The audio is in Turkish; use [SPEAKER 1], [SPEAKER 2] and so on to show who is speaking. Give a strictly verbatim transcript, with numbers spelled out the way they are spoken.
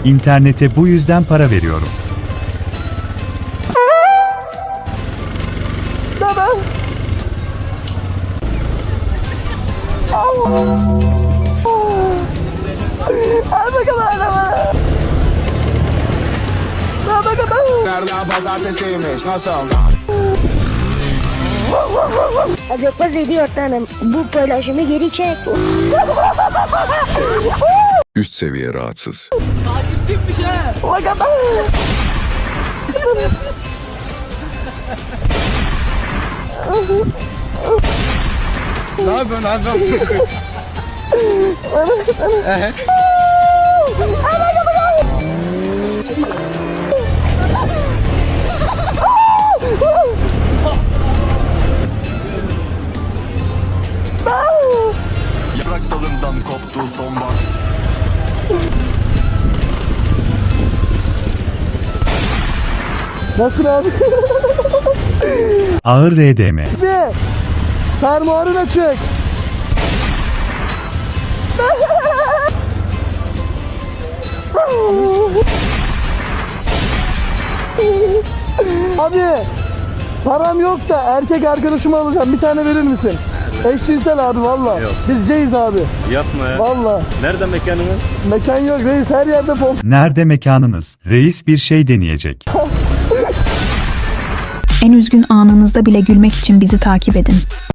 [SPEAKER 1] İnternete bu yüzden para veriyorum.
[SPEAKER 2] Baba. Al bakalım adamı. Al bakalım.
[SPEAKER 3] Nereden pazartesiymiş nasıl?
[SPEAKER 4] Acaba ediyor tanem. Bu paylaşımı geri çek.
[SPEAKER 5] Üst seviye rahatsız.
[SPEAKER 2] Bakalım.
[SPEAKER 6] Ne yapıyorsun abi?
[SPEAKER 3] Yaprak dalından koptu sonbahar.
[SPEAKER 2] Nasıl abi?
[SPEAKER 1] Ağır R D M.
[SPEAKER 2] Ne? Fermuarını çek. Abi param yok da erkek arkadaşımı alacağım. Bir tane verir misin? Eşcinsel abi valla. Biz gays abi.
[SPEAKER 7] Yapma ya.
[SPEAKER 2] Valla.
[SPEAKER 7] Nerede mekanımız?
[SPEAKER 2] Mekan yok reis, her yerde pol.
[SPEAKER 1] Nerede mekanınız? Reis bir şey deneyecek.
[SPEAKER 8] En üzgün anınızda bile gülmek için bizi takip edin.